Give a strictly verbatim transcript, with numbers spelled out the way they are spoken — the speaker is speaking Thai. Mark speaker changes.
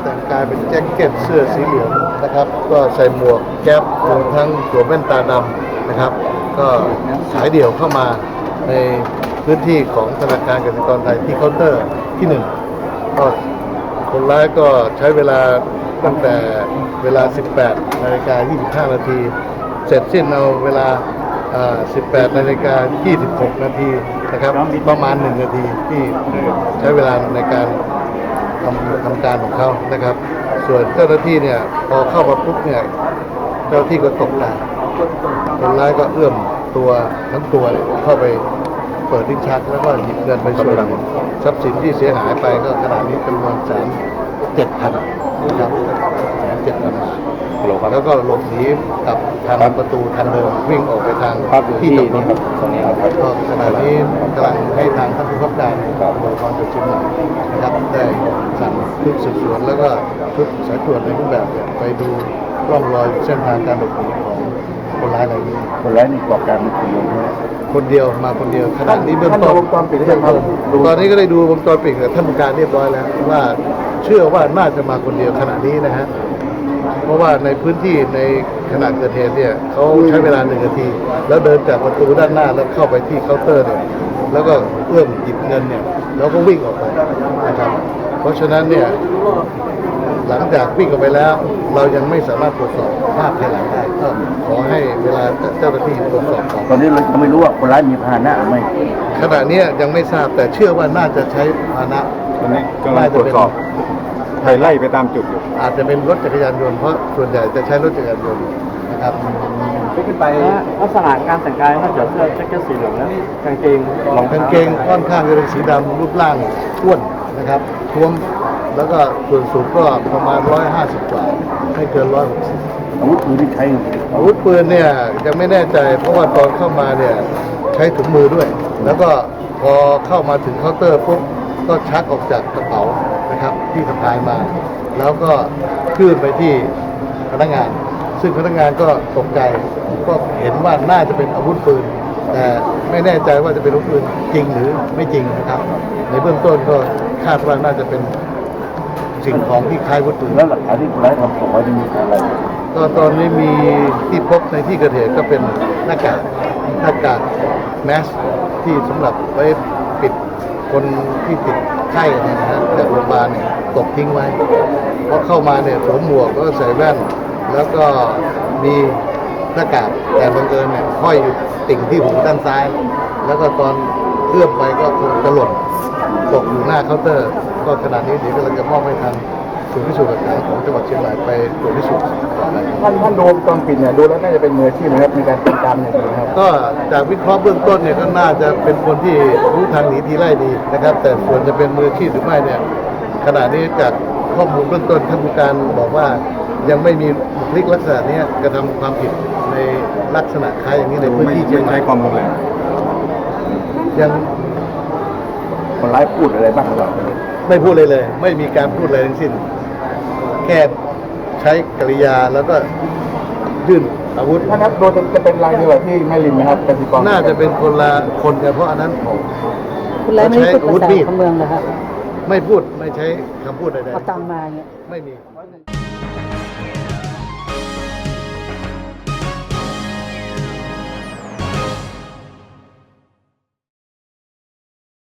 Speaker 1: แต่งกายเป็นแจ็คเก็ตเสื้อสีเหลืองนะครับก็ใส่หมวกแก๊ปรวมทั้งสวมแว่นตาดำนะครับก็สายเดี่ยวเข้ามาในพื้นที่ของธนาคารกสิกรไทยที่เคาน์เตอร์ที่หนึ่งก็คนร้ายก็ใช้เวลาตั้งแต่เวลา สิบแปดนาฬิกายี่สิบห้า นาทีเสร็จสิ้นเอาเวลาสิบแปดนาฬิกายี่สิบหก นาทีนะครับประมาณหนึ่งนาทีที่ใช้เวลาในการทำทำการของเขานะครับส่วนเจ้าหน้าที่เนี่ยพอเข้ามาปุ๊บเนี่ยเจ้าหน้าที่ก็ตกใจคนร้ายก็เอื้อมตัวทั้งตัวเข้าไปเปิดลิ้นชักแล้วก็หยิบเงินไปส่วนหนึ่งทรัพย์สินที่เสียหายไปก็ขนาดนี้จำนวนแสนเจ็ดพันนะครับแสนเจ็ดพันบาทแล้วก็หลบหนีกับทางประตูทางเดิมวิ่งออกไปทางที่ตรงนี้ตรงนี้ครับก็ขณะนี้กำลังให้ทางท่านผู้บังคับการตำรวจภูธรจังหวัดเชียงใหม่นะครับได้สั่งชุดสืบสวนแล้วก็ชุดสายตรวจในรูปแบบไปดูร่องรอยเส้นทางการหลบหนีของคนร้ายรายนี้
Speaker 2: คนร้ายนี่ก่อการเป็นคนเดียว
Speaker 1: คนเดียวมาคนเดียวขณะนี้เบื้องต้นตอนนี้ก็ได้ดูวงจรปิดกับท่านผู้การเรียบร้อยแล้วว่าเชื่อว่าน่าจะมาคนเดียวขณะนี้นะฮะเพราะว่าในพื้นที่ในขณะเกิดเหตุเนี่ยเขาใช้เวลาหนึ่งนาทีแล้วเดินจากประตูด้านหน้าแล้วเข้าไปที่เคาน์เตอร์เนี่ยแล้วก็เอื้อมหยิบเงินเนี่ยแล้วก็วิ่งออกไปนะครับเพราะฉะนั้นเนี่ยหลังจากวิ่งออกไปแล้วเรายังไม่สามารถตรวจสอบภาพภายหลังได้ก็ขอให้เวลาเจ้าหน้าที่ตรวจสอบก่อน
Speaker 2: ตอนนี้เรายังไม่รู้ว่าคนร้ายมีพาหนะหรือไม่
Speaker 1: ขณะนี้ยังไม่ทราบแต่เชื่อว่าน่าจะใช้พาหนะ
Speaker 3: ตอนนี้กำลังตรวจสอบไล่ไล่ไปตามจุดอยู่
Speaker 1: อาจจะเป็นรถจักรยานยนต์เพราะส่วนใหญ่จะใช้รถจักรยานยนต์นะครับ
Speaker 4: ขึ้นไปลักษณะการแต่งกายนอกจากเสื้อแจ็คเก็ตสีเหลืองแล้วกางเกง
Speaker 1: รองกางเกงค่อนข้างจะเป็นสีดำรูปร่างอ้วนนะครับท้วมแล้วก็ส่วนสูงก็ประมาณร้อยห้าสิบกว่าไม่เกินร้อยหกสิบ
Speaker 2: อาวุธปืนที่ใช้
Speaker 1: อาวุธปืนเนี่ยยังไม่แน่ใจเพราะว่าตอนเข้ามาเนี่ยใช้ถุงมือด้วยแล้วก็พอเข้ามาถึงเคาน์เตอร์ปุ๊บก็ชักออกจากกระเป๋านะครับที่สะพายมาแล้วก็ขึ้นไปที่พนักงานซึ่งพนักงานก็ตกใจก็เห็นว่าน่าจะเป็นอาวุธปืนแต่ไม่แน่ใจว่าจะเป็นอาวุธปืนจริงหรือไม่จริงนะครับในเบื้องต้นก็คาดว่าน่าจะเป็นสิ่งของที่คล้ายอาวุธปืน
Speaker 2: แล้วหลักฐานที่คนร้ายทำของไว้มีอะไร
Speaker 1: ก็ตอนนี้มีที่พบในที่เกิดเหตุก็เป็นหน้ากากหน้ากากแมสที่สำหรับไว้ปิดคนที่ติดไข้เนี่ยนะฮะจากโรงพยาบาลเนี่ยตกทิ้งไว้เพราะเข้ามาเนี่ยสวมหมวกก็ใส่แว่นแล้วก็มีหน้ากากแต่บังเอิญเนี่ยห้อยอยู่ติ่งที่หูด้านซ้ายแล้วก็ตอนเอื้อมไปก็คงจะหล่นตกอยู่หน้าเคาน์เตอร์ก็ขณะนี้เดี๋ยวเราจะมอบให้ทางศูนย์พิสูจน์หลักฐานของจังหวัดเชียงรายไปตรวจพิสูจน์ต่อไป
Speaker 2: ท่านท่านดูวงจรปิดเนี่ยดูแล้วน่าจะเป็นมืออาชีพนะครับในการติดตามอย่างดีครับ
Speaker 1: ก็จากวิเคราะห์เบื้องต้นเนี่ยก็น่าจะเป็นคนที่รู้ทางหนีทีไล่ดีนะครับแต่ส่วนจะเป็นมืออาชีพหรือไม่เนี่ยขณะนี้จากข้อมูลเบื้องต้นท่านผู้การบอกว่ายังไม่มีบุคลิกลักษณะนี้กระทำความผิดในลักษณะคล้ายอย่างนี้ในพื้นที่เชียงราย
Speaker 3: ใช้ความรุนแรง
Speaker 1: ยัง
Speaker 2: คนร้ายพูดอะไรบ้างหรือเปล่า
Speaker 1: ไม่พูดเลยเลยไม่มีการพูดอะไรทั้งสิ้นแค่ใช้กริยาแล้วก็ยื่นอาวุธ
Speaker 2: ถ้านับโดยจะเป็นรายเดียวที่แม่ริมนะครับกสิกร
Speaker 1: น่าจะเป็นคนละคนกันเพราะอันนั้นผม
Speaker 4: คุณร้ายไม่พูดภาษาของเมืองเลยครับ
Speaker 1: ไม่พูดไม่ใช้คำพูดใดๆ
Speaker 4: เอาตังมาเนี่ย
Speaker 1: ไม่มี